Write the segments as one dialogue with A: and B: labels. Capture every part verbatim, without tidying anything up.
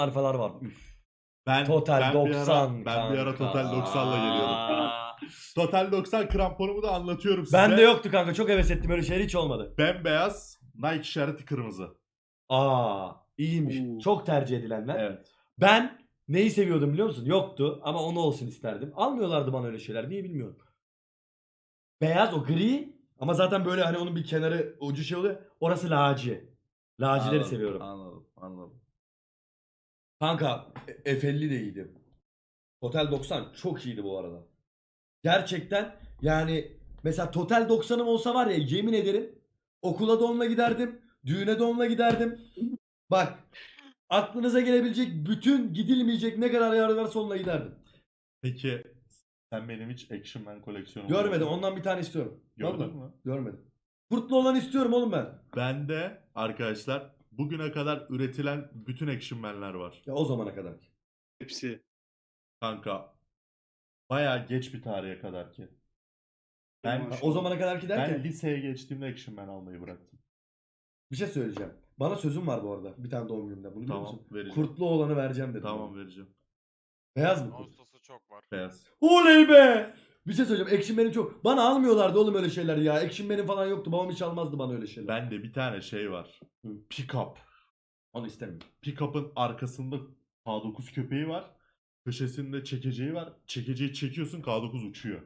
A: Alfalar var. Üf.
B: Ben
A: Total
B: ben bir ara
A: doksan
B: ben bir ara
A: kanka.
B: Total doksanla geliyordum. Total doksan kramponumu da anlatıyorum size.
A: Bende yoktu kanka. Çok heves ettim, öyle şeyler hiç olmadı.
B: Bembeyaz, Nike işareti kırmızı.
A: Aa, iyiymiş.
C: Oo.
A: Çok tercih edilenler.
B: Evet.
A: Ben neyi seviyordum biliyor musun? Yoktu ama onu olsun isterdim. Almıyorlardı bana öyle şeyler. Niye bilmiyorum. Beyaz, o gri ama zaten böyle hani onun bir kenarı ucu şey oluyor. Orası laci. Lacileri
B: Anladım,
A: seviyorum.
B: Anladım, anladım.
A: Kanka e- F elli de iyiydi. Total doksan çok iyiydi bu arada. Gerçekten yani mesela Total doksanım olsa var ya, yemin ederim okula da onunla giderdim. Düğüne de onunla giderdim. Bak, aklınıza gelebilecek bütün gidilmeyecek ne kadar yer varsa onunla giderdim.
B: Peki sen benim hiç Action Man koleksiyonumu
A: Görmedim,
B: gördün mü?
A: ondan bir tane istiyorum.
B: Gördün
A: Vallahi
B: mü?
A: görmedim. Kurtlu olan istiyorum oğlum ben.
B: Bende arkadaşlar bugüne kadar üretilen bütün Action Man'ler var.
A: Ya o zamana kadar.
C: Hepsi.
B: Kanka bayağı geç bir tarihe kadar ki. Ben
A: Ha, o zamana kadar ki derken
B: ben liseye geçtiğimde Action Man almayı bıraktım.
A: bir şey söyleyeceğim. Bana sözüm var bu arada bir tane doğum günümde. Bunu biliyor
B: Tamam,
A: musun?
B: vereceğim.
A: Kurtlu olanı vereceğim dedim.
B: Tamam
A: bana.
B: vereceğim.
A: Beyaz mı kurt?
D: Ağustos'u çok var.
B: Beyaz.
A: Oley be! Bir şey söyleyeceğim. Action Man'im çok. Bana almıyorlardı oğlum öyle şeyler ya. Action Man'im falan yoktu. Babam hiç almazdı bana öyle şeyler.
B: Bende bir tane şey var.
A: Hı.
B: Pick-up.
A: Onu istemiyorum.
B: Pick-up'ın arkasında K dokuz köpeği var. Köşesinde çekeceği var. Çekeceği çekiyorsun, K dokuz uçuyor.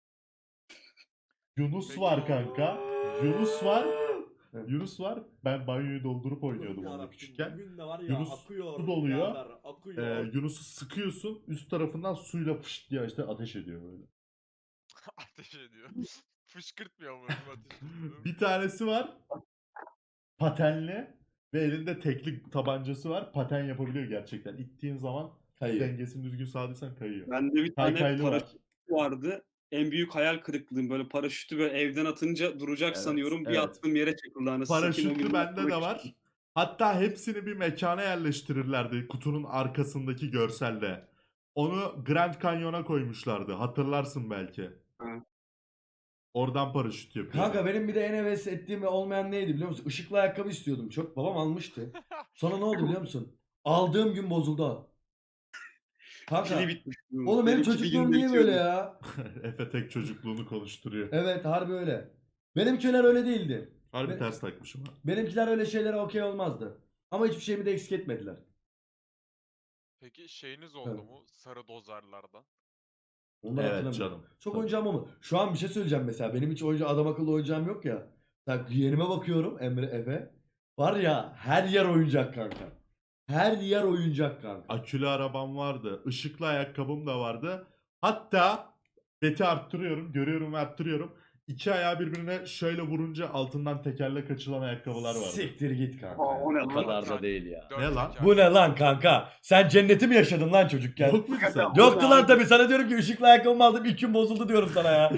B: Yunus
D: Peki.
B: var kanka. Yunus var.
A: Evet.
B: Yunus var. Ben banyoyu doldurup oynuyordum onunla küçükken.
E: Bugün de var ya
B: Yunus
E: akıyor.
B: su doluyor.
E: birader,
B: Ee,
E: akıyor.
B: Yunus'u sıkıyorsun. Üst tarafından suyla fışt diye işte ateş ediyor böyle.
D: Ateş ediyor. Fışkırtmıyor mu ateş ediyor?
B: Bir tanesi var. Patenli. Ve elinde tekli tabancası var. Paten yapabiliyor gerçekten. İttiğin zaman
A: Hayır.
B: dengesini düzgün sağladıysan kayıyor.
C: Bende bir tane
B: Kaykaylı var.
C: paraşüt vardı. En büyük hayal kırıklığım, böyle paraşütü böyle evden atınca duracak
B: Evet,
C: sanıyorum. Bir
B: evet.
C: attığım yere çakıldı anasını satayım, o
B: Paraşütlü
C: gün
B: bende de
C: yapmak
B: var.
C: istedim.
B: Hatta hepsini bir mekana yerleştirirlerdi kutunun arkasındaki görselde. Onu Grand Canyon'a koymuşlardı. Hatırlarsın belki.
C: Ha.
B: Oradan paraşüt yapıyor.
A: Kanka benim bir de en heves ettiğim ve olmayan neydi biliyor musun? Işıklı ayakkabı istiyordum çok. Babam almıştı. Sonra ne oldu biliyor musun? Aldığım gün bozuldu. Kanka.
C: Pili bitmiş.
A: Oğlum benim
C: Benimki bir
A: çocukluğum
C: günde
A: niye böyle
C: bitiyordu.
A: ya?
B: Efe tek çocukluğunu konuşturuyor.
A: Evet, harbi öyle. Benimkiler öyle değildi.
B: Harbi
A: Be-
B: ters takmışım ha.
A: Benimkiler öyle şeylere okey olmazdı. Ama hiçbir şeyimi de eksik etmediler.
D: Peki şeyiniz oldu
A: Evet.
D: mu? Sarı dozerlerden.
A: Onları
B: Evet
A: hatırlamıyorum.
B: canım.
A: Çok
B: Tabii.
A: oyuncağım ama şu an bir şey söyleyeceğim mesela. Benim hiç oyuncu adam akıllı oyuncağım yok ya. Bak yeğenime bakıyorum, Emre Efe. Var ya, her yer oyuncak kanka. Her yer oyuncak kanka.
B: Akülü arabam vardı. Işıklı ayakkabım da vardı. Hatta beti arttırıyorum. Görüyorum ve arttırıyorum. İki ayağı birbirine şöyle vurunca altından tekerlek açılan ayakkabılar vardı.
A: Siktir git kanka.
C: Aa, o ne
A: Bu
C: lan?
A: kadar da değil ya.
D: Dört
B: Ne lan?
D: teker.
A: Bu ne lan kanka? Sen cenneti mi yaşadın lan çocukken?
B: Yok muydu sen?
A: Yoktu lan tabii. Sana diyorum ki ışıklı ayakkabımı aldım, ilk gün bozuldu diyorum sana ya.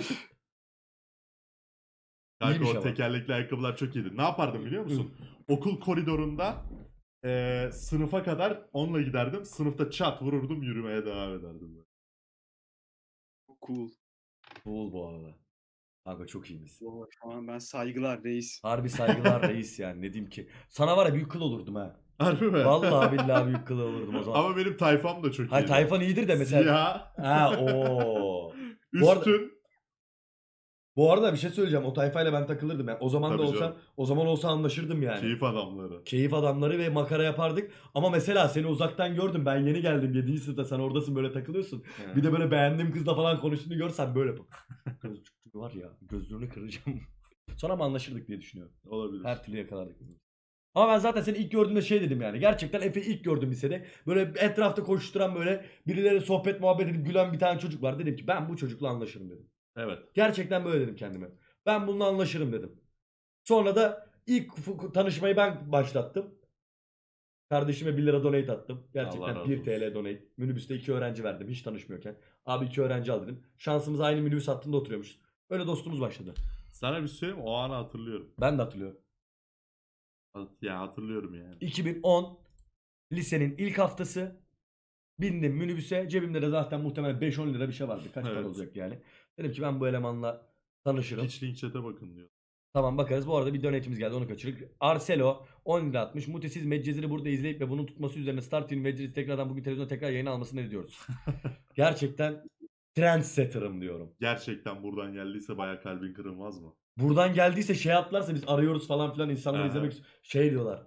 B: Kanka
A: İyiymiş
B: o
A: ama.
B: tekerlekli ayakkabılar çok iyiydi. Ne yapardım biliyor musun? Okul koridorunda eee, sınıfa kadar onunla giderdim. Sınıfta çat vururdum, yürümeye devam ederdim. böyle.
C: Cool.
A: Cool bu arada. Kanka çok iyiymiş.
C: Oo, şu an ben saygılar reis.
A: Harbi saygılar reis yani, ne diyeyim ki. Sana var ya büyük kıl olurdum ha.
B: Harbi mi?
A: Vallahi billahi büyük kıl olurdum o zaman.
B: Ama benim tayfam da çok
A: Hayır,
B: iyiydi.
A: tayfan iyidir de mesela.
B: Siyah,
A: Ha o. Bu arada-
B: üstün.
A: Bu arada bir şey söyleyeceğim. O tayfayla ben takılırdım. Yani o zaman da
B: Tabii
A: olsa,
B: canım.
A: o zaman olsa anlaşırdım yani.
B: Keyif adamları.
A: Keyif adamları ve makara yapardık. Ama mesela seni uzaktan gördüm. Ben yeni geldim. yedinci sınıfta sen oradasın, böyle takılıyorsun. Bir de böyle beğendiğim kızla falan konuştuğunu görsen böyle bak. Gözlük var ya, gözlüğünü kıracağım. Sonra mı anlaşırdık diye düşünüyorum.
B: Olabilir.
A: Her türlü yakalardık. Ama ben zaten seni ilk gördüğümde şey dedim yani. Gerçekten Efe'yi ilk gördüm lisede. Böyle etrafta koşturan, böyle birileri sohbet muhabbet edip gülen bir tane çocuk var. Dedim ki ben bu çocukla anlaşırım dedim.
B: Evet.
A: Gerçekten böyle dedim kendime. Ben bununla anlaşırım dedim. Sonra da ilk f- tanışmayı ben başlattım. Kardeşime bir lira donate attım.
B: Allah
A: Gerçekten
B: razı
A: bir T L donate. Minibüste iki öğrenci verdim hiç tanışmıyorken. Abi iki öğrenci al dedim. Şansımız aynı minibüs hattında oturuyormuşuz. Öyle dostumuz başladı.
B: Sana bir şey söyleyeyim mi? O anı hatırlıyorum.
A: Ben de hatırlıyorum.
B: Ya hatırlıyorum yani.
A: iki bin on lisenin ilk haftası bindim minibüse. Cebimde de zaten muhtemelen beş on lira bir şey vardı. Kaç para
B: Evet.
A: olacak yani. Dedim ki ben bu elemanla tanışırım.
B: Hiç link chat'e bakın diyor.
A: Tamam bakarız. Bu arada bir donate'imiz geldi, onu kaçırdık. Arcelo on lira atmış. Muti siz Medcezir'i burada izleyip ve bunun tutması üzerine Star T V'nin Medcezir'i tekrardan bugün televizyonda tekrar yayına almasını ne diyoruz? Gerçekten trendsetter'ım diyorum.
B: Gerçekten buradan geldiyse baya kalbin kırılmaz mı?
A: Buradan geldiyse şey atlarsa biz arıyoruz falan filan, insanları
B: Aha.
A: izlemek istiyor. Şey diyorlar.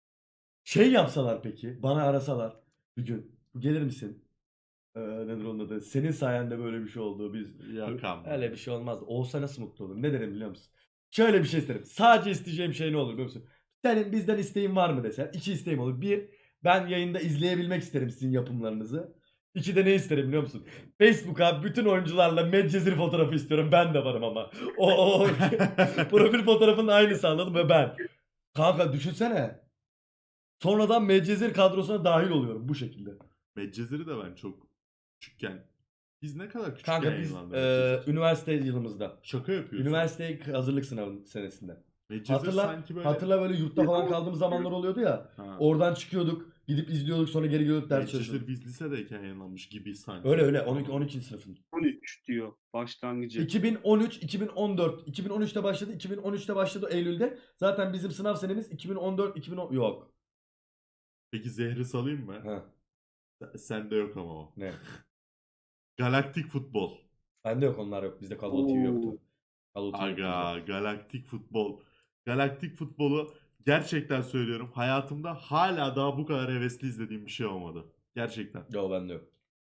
A: Şey yapsalar peki, bana arasalar bir gün. Gelir misin? Ee, nedir onun adı? Senin sayende böyle bir şey oldu. Biz
B: Yok ama.
A: öyle bir şey olmaz. Olsa nasıl mutlu olurum? Ne derim biliyor musun? Şöyle bir şey isterim. Sadece isteyeceğim şey ne olur biliyor musun? Senin bizden isteğin var mı desen. İki isteğim olur. Bir, ben yayında izleyebilmek isterim sizin yapımlarınızı. İki de ne isterim biliyor musun? Facebook'a bütün oyuncularla Medcezir fotoğrafı istiyorum. Ben de varım ama. O, o, o. Profil fotoğrafının aynısı, anladın mı? Ben. Kanka düşünsene. Sonradan Medcezir kadrosuna dahil oluyorum bu şekilde.
B: Medcezir'i de ben çok küçükken. Biz ne kadar küçükken
A: Kanka biz
B: yayınlandı
A: e,
B: Medcezir?
A: üniversite yılımızda.
B: Şaka yapıyorsun.
A: Üniversite hazırlık sınavı senesinde.
B: Medcezir
A: Hatırla,
B: sanki böyle...
A: hatırla böyle yurtta falan kaldığımız zamanlar oluyordu ya.
B: Ha.
A: Oradan çıkıyorduk, gidip izliyorduk, sonra geri gelip ders
B: Medcezir
A: çalışıyorduk.
B: biz lisedeyken yayınlanmış gibi sanki.
A: Öyle öyle on iki on iki sınıfın.
C: on üç diyor başlangıcı.
A: iki bin on üç iki bin on dört iki bin on üçte başladı. iki bin on üçte başladı Eylül'de. Zaten bizim sınav senemiz iki bin on dört iki bin on yok.
B: Peki zehri salayım mı?
A: Ha,
B: Sen- Sende yok ama o.
A: ne?
B: Galaktik futbol.
A: Bende yok, onlar yok. Bizde Call of Duty yoktu. Call of Duty yoktu bizde.
B: Aga, galaktik futbol. Galaktik futbolu gerçekten söylüyorum. Hayatımda hala daha bu kadar hevesli izlediğim bir şey olmadı. Gerçekten.
A: Yok, bende yok.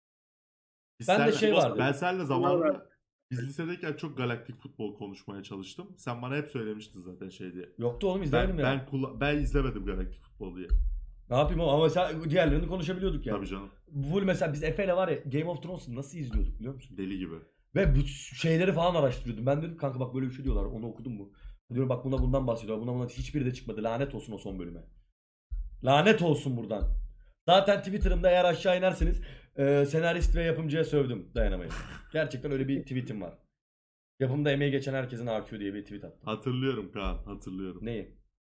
B: Biz
A: Bende
B: senle-
A: şey vardı.
B: Ben seninle zamanında biz lisedeyken çok galaktik futbol konuşmaya çalıştım. Sen bana hep söylemiştin zaten şey diye.
A: Yoktu oğlum, izlemedim
B: Ben
A: ya.
B: ben, kula- ben izlemedim galaktik futbol diye.
A: Ne yapayım oğlum, ama mesela diğerlerini konuşabiliyorduk ya.
B: Tabii canım.
A: Full mesela biz Efe'yle var ya Game of Thrones'u nasıl izliyorduk biliyor musun?
B: Deli gibi.
A: Ve bu şeyleri falan araştırıyordum. Ben dedim kanka bak böyle bir şey diyorlar. Onu okudun mu? Diyorum bak buna bundan bahsediyor. Buna bundan hiçbiri de çıkmadı. Lanet olsun o son bölüme. Lanet olsun buradan. Zaten Twitter'ımda eğer aşağı inerseniz e, senarist ve yapımcıya sövdüm, dayanamayın. Gerçekten öyle bir tweetim var. Yapımda emeği geçen herkesin A Q diye bir tweet attım.
B: Hatırlıyorum Kaan, hatırlıyorum.
A: Neyi?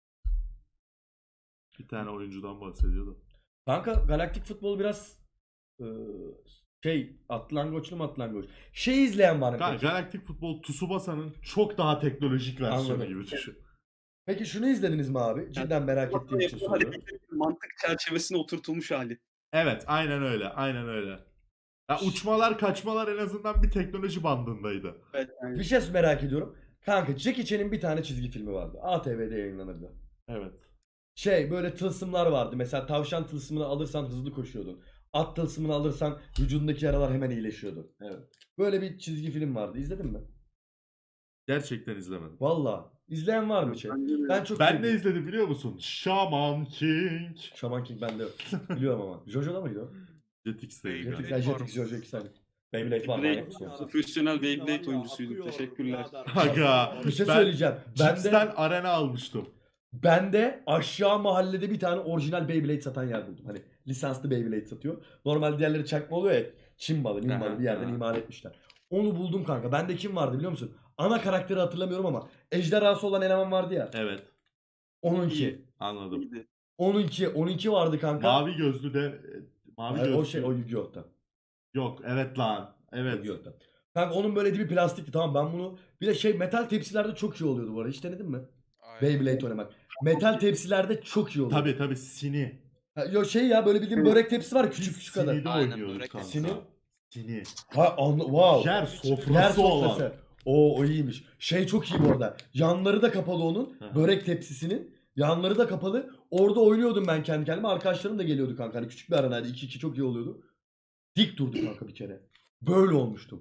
B: Bir tane oyuncudan bahsediyordu.
A: Kanka galaktik futbol biraz e, şey atlangoçlu mu atlangoç? Şey izleyen var mı?
B: Kaan,
A: peki?
B: galaktik futbol Tsubasa'nın çok daha teknolojik versiyonu
A: Anladım.
B: gibi düşün.
A: Peki şunu izlediniz mi abi? Cidden merak ettiğim için soruyorum.
C: Hareketlerin mantık çerçevesine oturtulmuş hali.
B: Evet, aynen öyle, aynen öyle. Ya uçmalar, kaçmalar en azından bir teknoloji bandındaydı.
C: Evet, yani.
A: Bir şey merak ediyorum. Kanka Jackie Chan'in bir tane çizgi filmi vardı. A T V'de yayınlanırdı.
B: Evet.
A: Şey böyle tılsımlar vardı. Mesela tavşan tılsımını alırsan hızlı koşuyordun. At tılsımını alırsan vücudundaki yaralar hemen iyileşiyordu.
B: Evet.
A: Böyle bir çizgi film vardı. İzledin mi?
B: Gerçekten izlemedim.
A: Valla. İzleyen var mı şey?
C: Bence de.
A: Ben çok
B: Ben
A: sevdim.
B: ne izledim biliyor musun? Shaman King.
A: Shaman King bende yok. Biliyorum ama. Jojo'da mıydı o?
B: Jetix'teydi
D: Beyblade
A: Jetix,
B: galiba.
A: ya
D: var
A: Jetix,
D: mı?
A: Jojo iki tane. Beyblade var.
C: Beyblade-
A: manyak mısın yoksa?
C: Profesyonel Beyblade oyuncusuydum. Teşekkürler.
B: Aga.
A: Bir şey
B: ben
A: söyleyeceğim. Ben
B: Chips'ten
A: de,
B: arena almıştım.
A: ben de aşağı mahallede bir tane orijinal Beyblade satan yer buldum. Hani lisanslı Beyblade satıyor. Normal diğerleri çakma oluyor ya. Çin malı, Min malı bir yerden
B: Aha.
A: imal etmişler. Onu buldum kanka. Bende kim vardı biliyor musun? Ana karakteri hatırlamıyorum ama ejderhası olan eleman vardı ya.
B: Evet.
A: Onunki.
C: İyi.
B: Anladım.
C: İyiydi.
A: Onunki. Onunki vardı kanka.
B: Mavi gözlü de mavi
A: Hayır,
B: gözlü.
A: o şey o Yu-Gi-Oh'ta.
B: Yok, evet lan. Evet.
A: Yu-Gi-Oh'ta. Kanka onun böyle dibi plastikti, tamam ben bunu bir de şey metal tepsilerde çok iyi oluyordu bu arada. Hiç denedin mi?
D: Aynen.
A: Beyblade oynamak. Metal tepsilerde çok iyi oluyor.
B: Tabii tabii Sini.
A: Ha, yo şey ya böyle bildiğin börek tepsi var ya, küçük küçük kadar.
B: Sini'de
E: Aynen,
B: oynuyorduk
E: börek
B: kanka.
A: Sini.
B: Sini.
A: Ha anla wow.
B: Yer
A: Yer
B: sofrası olan.
A: sofrası. O o iyiymiş. Şey çok iyi bu arada. Yanları da kapalı onun.
B: Hı hı.
A: Börek tepsisinin. Yanları da kapalı. Orada oynuyordum ben kendi kendime. Arkadaşlarım da geliyordu kanka. Hani küçük bir aranaydı. iki iki çok iyi oluyordu. Dik durduk kanka bir kere. Böyle olmuştum.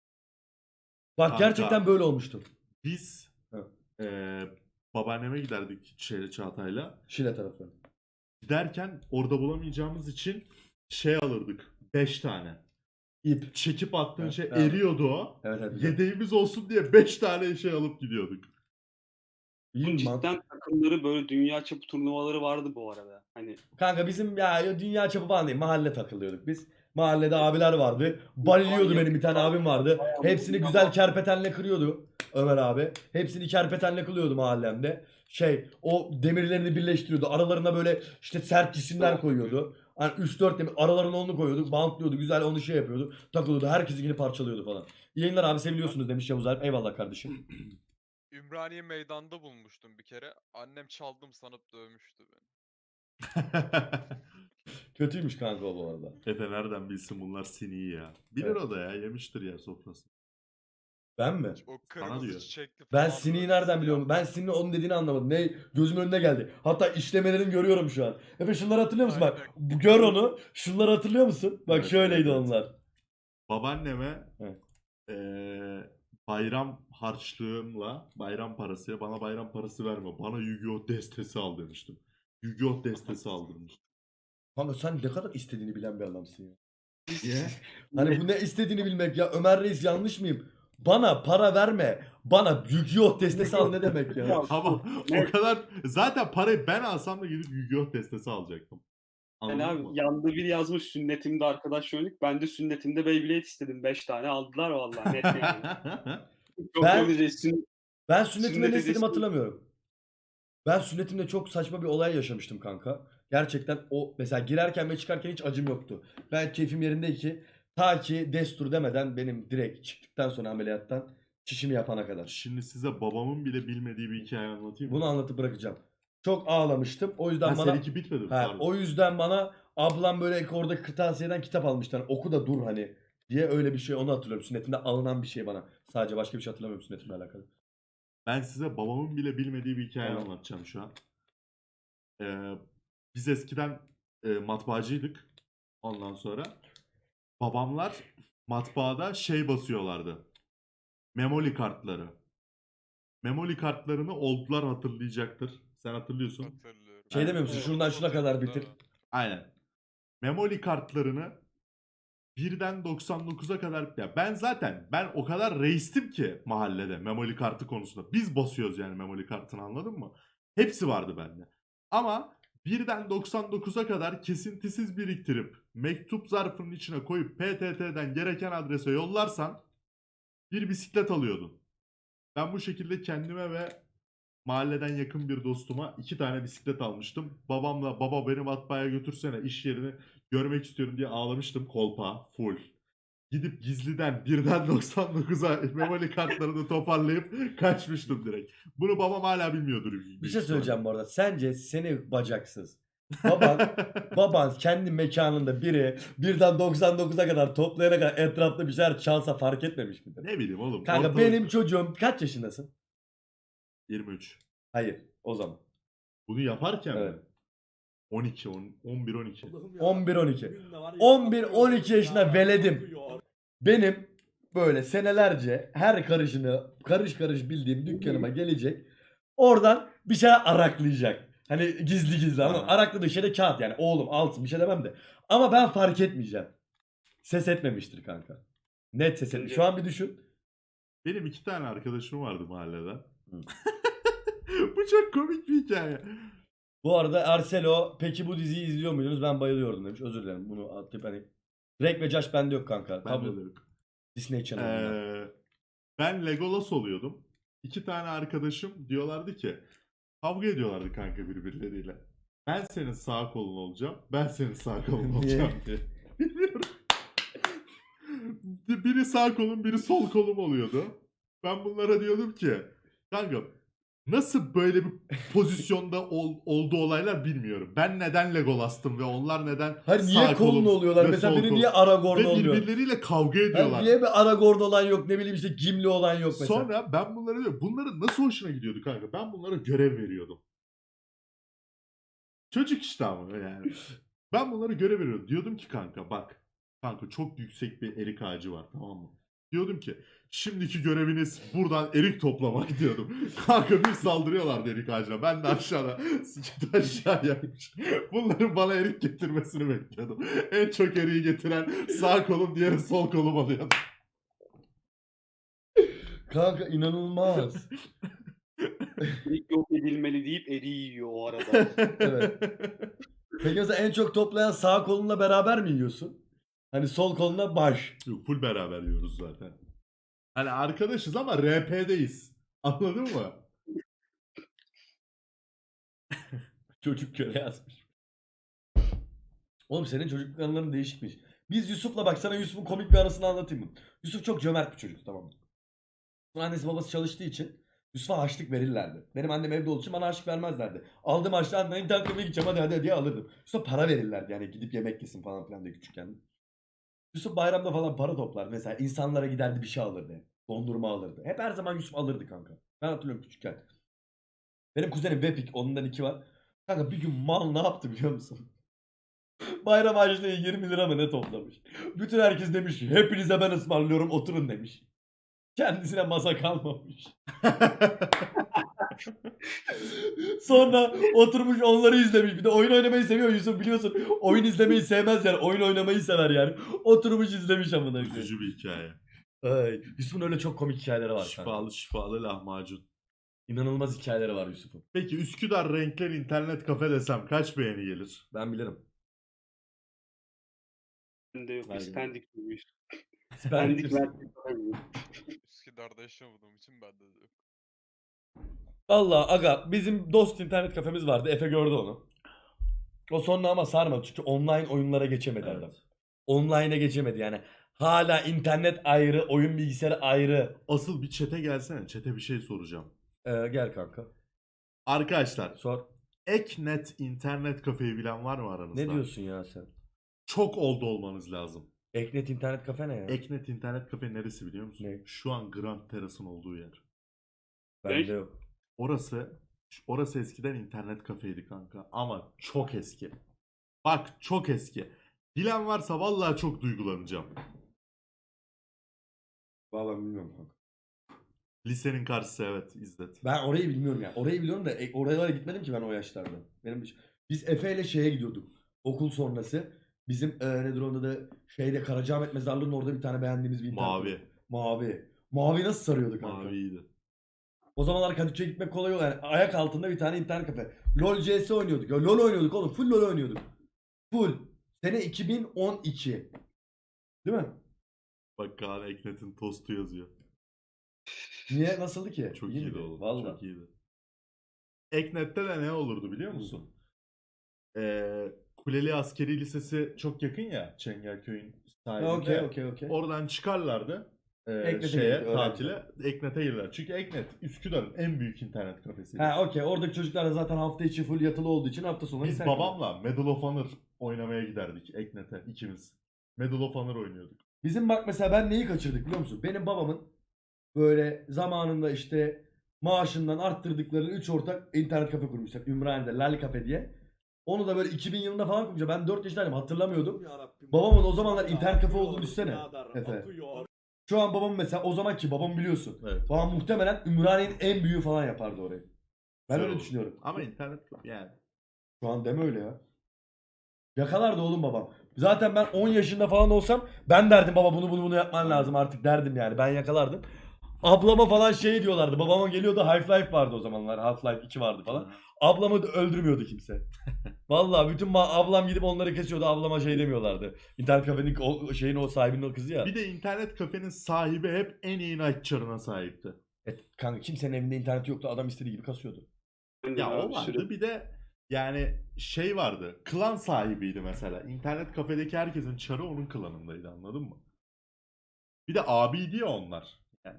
A: Bak
B: Kanka.
A: gerçekten böyle olmuştum.
B: Biz
A: Hı.
B: eee babaanneme giderdik şeyle Çağatay'la.
A: Şile tarafı.
B: Giderken orada bulamayacağımız için şey alırdık. beş tane.
A: İp.
B: Çekip attığın
A: Evet,
B: şey
A: evet.
B: eriyordu o.
A: Evet evet.
B: Yedeğimiz olsun diye beş tane şey alıp gidiyorduk.
A: İyi
C: Bunun
A: mi lan?
C: cidden takımları böyle dünya çapı turnuvaları vardı bu arada. Hani
A: Kanka bizim ya dünya çapı falan değil. Mahalle takılıyorduk biz. Mahallede abiler vardı. Baliliyordu benim bir tane abim vardı. Hepsini güzel kerpetenle kırıyordu Ömer abi. Hepsini kerpetenle kılıyordu mahallemde. Şey o demirlerini birleştiriyordu. Aralarına böyle işte sert cisimler koyuyordu. Hani üç dört demir aralarına onu koyuyordu. Bantlıyordu. Güzel onu şey yapıyordu. Takılıyordu. Herkesi yine parçalıyordu falan. İyi yayınlar abi, seviliyorsunuz demiş Yavuz Alp. Eyvallah kardeşim.
D: Ümraniye meydanda bulmuştum bir kere. Annem çaldım sanıp dövmüştü beni.
A: Kötüymüş kanka o bu arada.
B: Efe nereden bilsin bunlar siniyi ya. Bilir
A: Evet.
B: o da ya, yemiştir ya sofrası.
A: Ben mi?
D: O kırmızı
B: diyor.
D: çiçekli
A: Ben
D: falan
A: Sini'yi
D: böyle
A: nereden biliyorum? Ben
D: siyah.
A: Sini'nin onun dediğini anlamadım. Ne gözümün önüne geldi. Hatta işlemelerini görüyorum şu an. Efe şunları hatırlıyor musun? Bak
D: Aynen.
A: bu- gör onu. Şunları hatırlıyor musun? Bak
B: Evet,
A: şöyleydi
B: evet, evet.
A: onlar.
B: Babaanneme
A: Evet.
B: eee, bayram harçlığımla, bayram parası, bana bayram parası verme, bana Yu-Gi-Oh destesi al demiştim. Yu-Gi-Oh destesi aldırmış.
A: Kanka sen ne kadar istediğini bilen bir adamsın ya.
B: Niye?
A: Hani bu ne istediğini bilmek ya. Ömer Reis yanlış mıyım? Bana para verme. Bana Yu-Gi-Oh destesi al ne demek ya?
C: Ya,
B: Ama o
C: Evet.
B: kadar zaten parayı ben alsam da gidip Yu-Gi-Oh destesi alacaktım.
C: Yani
B: Anladın
C: abi
B: mı?
C: yandı biri yazmış sünnetimde arkadaş oynadık. Ben de sünnetimde Beyblade istedim. beş tane aldılar vallahi net yani. Çok
A: Ben-
C: öyle sünnet.
A: Ben sünnetimde
C: Sünnet
A: ne istediğimi
C: hediyesi-
A: hatırlamıyorum. Ben sünnetimde çok saçma bir olay yaşamıştım kanka. Gerçekten o mesela girerken ve çıkarken hiç acım yoktu. Ben keyfim yerindeydi ki ta ki destur demeden benim direkt çıktıktan sonra ameliyattan çişimi yapana kadar.
B: Şimdi size babamın bile bilmediği bir hikaye anlatayım mı?
A: Bunu anlatıp bırakacağım. Çok ağlamıştım. O yüzden
B: Ha,
A: bana
B: seninki bitmedi mi?
A: ha,
B: Pardon.
A: o yüzden bana ablam böyle oradaki kırtasiyeden kitap almıştı. Hani oku da dur hani diye öyle bir şey onu hatırlıyorum. Sünnetimde alınan bir şey bana. Sadece başka bir şey hatırlamıyorum sünnetimle alakalı.
B: Ben size babamın bile bilmediği bir hikaye
A: Tamam.
B: anlatacağım şu an. Ee, biz eskiden e, matbaacıydık. Ondan sonra babamlar matbaada şey basıyorlardı. Memoli kartları. Memoli kartlarını oldular hatırlayacaktır. Sen hatırlıyorsun.
D: Hatırlıyorum.
A: Şey demiyor musun?
C: Evet.
A: Şuradan şuna kadar
D: Hatırlıyorum,
A: bitir.
D: evet.
B: Aynen. Memoli kartlarını birden doksan dokuza kadar ya ben zaten ben o kadar reistim ki mahallede memoli kartı konusunda. Biz basıyoruz yani memoli kartını, anladın mı? Hepsi vardı bende. Ama birden doksan dokuza kadar kesintisiz biriktirip mektup zarfının içine koyup P T T'den gereken adrese yollarsan bir bisiklet alıyordun. Ben bu şekilde kendime ve mahalleden yakın bir dostuma iki tane bisiklet almıştım. Babamla baba beni matbaaya götürsene iş yerini görmek istiyorum diye ağlamıştım, kolpa full. Gidip gizliden birden doksan dokuza memoli kartlarını toparlayıp kaçmıştım direkt. Bunu babam hala bilmiyordur.
A: Bir şey söyleyeceğim bu arada. Sence seni bacaksız. Baban, baban kendi mekanında biri birden doksan dokuza kadar toplayana kadar etrafta bir şeyler çalsa fark etmemiş midir?
B: Ne bileyim oğlum.
A: Kanka
B: ortalık-
A: benim çocuğum kaç yaşındasın?
B: yirmi üç.
A: Hayır o zaman.
B: Bunu yaparken
A: Evet.
B: mi? on iki, on- on bir on iki.
A: on bir on iki. on bir on iki yaşında veledim. Benim böyle senelerce her karışını karış karış bildiğim dükkanıma gelecek. Oradan bir şeyler araklayacak. Hani gizli gizli ama
B: Ha.
A: arakladığı şey de kağıt yani. Oğlum alsın bir şey demem de. Ama ben fark etmeyeceğim. Ses etmemiştir kanka. Net ses etmiş. Şu an bir düşün.
B: Benim iki tane arkadaşım vardı mahallede.
A: Hı.
B: Bu çok komik bir hikaye.
A: Bu arada Arcelo peki bu diziyi izliyor muydunuz? Ben bayılıyordum demiş. Özür dilerim. Bunu atıp hani Drake ve Josh bende yok kanka.
B: Ben
A: Kablo
B: de yok.
A: Disney Channel'da.
B: Ee, ben Legolas oluyordum. İki tane arkadaşım diyorlardı ki kavga ediyorlardı kanka birbirleriyle. Ben senin sağ kolun olacağım. Ben senin sağ kolun olacağım diye. Bilmiyorum. Biri sağ kolum, biri sol kolum oluyordu. Ben bunlara diyordum ki kanka nasıl böyle bir pozisyonda ol, oldu olaylar bilmiyorum. Ben neden Legolas'tım ve onlar neden
A: Hayır
B: sağ
A: niye kolun
B: kolum
A: oluyorlar?
B: ve
A: Mesela
B: sol
A: biri
B: kolum?
A: niye Aragorn
B: Ve
A: oluyor?
B: birbirleriyle kavga
A: Hayır,
B: ediyorlar.
A: niye bir Aragorn olan yok? Ne bileyim işte Gimli olan yok mesela.
B: Sonra ben bunlara diyorum. Bunların nasıl hoşuna gidiyordu kanka? Ben bunlara görev veriyordum. Çocuk işte ama yani. Ben bunlara görev veriyordum. Diyordum ki kanka bak. Kanka çok yüksek bir erik ağacı var, tamam mı? Diyordum ki şimdiki göreviniz buradan erik toplamak diyordum. Kanka bir saldırıyorlardı erik ağacına. Ben de aşağıda sıçtı aşağıya. Bunların bana erik getirmesini bekliyordum. En çok eriği getiren sağ kolum, diğeri sol kolum oluyordu.
A: Kanka inanılmaz.
C: İlk yok edilmeli deyip eriği yiyor o arada.
A: Evet. Peki mesela en çok toplayan sağ kolunla beraber mi yiyorsun? Hani sol koluna baş.
B: Yok, full beraber yiyoruz zaten. Hani arkadaşız ama R P'deyiz. Anladın mı?
A: Çocuk köle yazmış. Oğlum senin çocukluk anıların değişikmiş. Biz Yusuf'la bak sana Yusuf'un komik bir anısını anlatayım mı? Yusuf çok cömert bir çocuk, tamam mı? Sonra annesi babası çalıştığı için Yusuf'a harçlık verirlerdi. Benim annem evde olduğu için bana harçlık vermezlerdi. Aldım harçlığı anne internet kafeye gideceğim hadi hadi diye alırdım. Yusuf'a para verirlerdi yani gidip yemek yesin falan filan diye küçükken. Yusuf bayramda falan para toplardı. Mesela insanlara giderdi bir şey alırdı. Dondurma alırdı. Hep her zaman Yusuf alırdı kanka. Ben hatırlıyorum küçükken. Benim kuzenim Vepik. Ondan iki var. Kanka bir gün mal ne yaptı biliyor musun? Bayram harçlığı yirmi lira mı ne toplamış. Bütün herkes demiş ki hepinize ben ısmarlıyorum oturun demiş. Kendisine masa kalmamış. Sonra oturmuş onları izlemiş. Bir de oyun oynamayı seviyor Yusuf biliyorsun. Oyun izlemeyi sevmez yani. Oyun oynamayı sever yani. Oturmuş izlemiş amına koyayım.
B: Üzücü bir hikaye.
A: Ay, Yusuf'un öyle çok komik hikayeleri var. kanka.
B: Şifalı şifalı lahmacun.
A: İnanılmaz hikayeleri var Yusuf'un.
B: Peki Üsküdar Renkler internet kafe desem kaç beğeni gelir?
A: Ben bilirim.
C: Bende yok.
A: Aynen.
C: Biz Pendik miymiş?
A: Ben
C: Pendik Mertlik olabilir.
D: Üsküdar'da yaşamadığım için bende de yok.
A: Valla aga bizim dost internet kafemiz vardı. Efe gördü onu. O sonra ama sarmadı çünkü online oyunlara geçemedi
B: Evet.
A: adam. Online'a geçemedi yani. Hala internet ayrı, oyun bilgisayarı ayrı.
B: Asıl bir çete gelsene. Çete bir şey soracağım.
A: Ee, gel kanka.
B: Arkadaşlar
A: Sor.
B: Eknet internet kafeyi bilen var mı aranızda?
A: Ne diyorsun ya sen?
B: Çok oldu olmanız lazım.
A: Eknet internet kafe ne ya?
B: Eknet internet kafe neresi biliyor musun?
A: Ne?
B: Şu an Grand Terrace'ın olduğu yer.
A: Bende yok.
B: Orası orası eskiden internet kafeydi kanka ama çok eski. Bak çok eski. Bilen varsa vallahi çok duygulanacağım.
A: Vallahi bilmiyorum kanka.
B: Lisenin karşısı evet İzzet.
A: Ben orayı bilmiyorum ya. Orayı biliyorum da e, oralara gitmedim ki ben o yaşlarda. Benim hiç- Biz Efe ile şeye gidiyorduk. Okul sonrası. Bizim e, nedir onda da şeyde Karacaahmet Mezarlığı'nın orada bir tane beğendiğimiz bir internet
B: Mavi.
A: kafe. Mavi. Mavi nasıl sarıyordu kanka?
B: Maviydi.
A: O zamanlar Kadıköy'e gitmek kolay oldu. Yani ayak altında bir tane internet kafe. LoL C S oynuyorduk. Ya LoL oynuyorduk oğlum. Full LoL oynuyorduk. Full. Sene iki bin on iki. Değil mi?
B: Bak Kaan Eknet'in tostu yazıyor.
A: Niye? Nasıldı ki?
B: Çok
A: İyi
B: iyiydi
A: miydi?
B: oğlum.
A: Vallahi.
B: Çok iyiydi. Eknet'te de ne olurdu biliyor musun? Ee, Kuleli Askeri Lisesi çok yakın ya Çengelköy'ün sahilinde.
A: Ha, Okey okey okey.
B: Oradan çıkarlardı e,
A: Eknet'e
B: şeye
A: gelirdi, öğrenci.
B: tatile. Eknet'e girerler. Çünkü Eknet Üsküdar'ın en büyük internet kafesi.
A: Ha okey. Oradaki çocuklar da zaten hafta içi full yatılı olduğu için hafta sonları
B: Biz
A: internet
B: babamla Medal of Honor oynamaya giderdik Eknet'e ikimiz. Medal of Honor oynuyorduk.
A: Bizim bak mesela ben neyi kaçırdık biliyor musun? Benim babamın böyle zamanında işte maaşından arttırdıkları üç ortak internet kafe kurmuşlar. Ümraniye'de Lal Cafe diye. Onu da böyle iki bin yılında falan kurmuşlar. Ben dört yaşındaydım hatırlamıyordum. Babamın o zamanlar internet kafe olduğunu düşünsene. Efe. Şu an babam mesela o zamanki babam biliyorsun.
B: Evet.
A: Babam muhtemelen Ümraniye'nin en büyüğü falan yapardı orayı. Ben
B: Güzel
A: öyle
B: oldu.
A: düşünüyorum.
B: Ama internet yani.
A: Şu an deme öyle ya. Yakalardı oğlum babam. Zaten ben on yaşında falan olsam ben derdim baba bunu bunu bunu yapman lazım artık derdim yani. Ben yakalardım. Ablama falan şey diyorlardı. Babama geliyordu Half-Life vardı o zamanlar. Half-Life iki vardı falan. Ablamı da öldürmüyordu kimse. Vallahi bütün ma- ablam gidip onları kesiyordu. Ablama şey demiyorlardı. İnternet kafenin o şeyin o sahibinin o kızı ya.
B: Bir de internet kafenin sahibi hep en iyi night çarına sahipti.
A: Evet, kanka kimsenin evinde internet yoktu. Adam istediği gibi kasıyordu.
B: Ya
C: Abi,
B: o vardı
C: sürekli-
B: bir de yani şey vardı. Klan sahibiydi mesela. İnternet kafedeki herkesin çarı onun klanındaydı anladın mı? Bir de abiydi ya onlar. Yani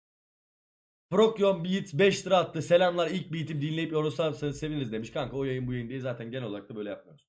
A: Prokyon Beat beş lira attı. Selamlar ilk beat'im dinleyip yorulsanız seviniriz demiş. Kanka o yayın bu yayın değil zaten genel olarak da böyle yapmıyoruz.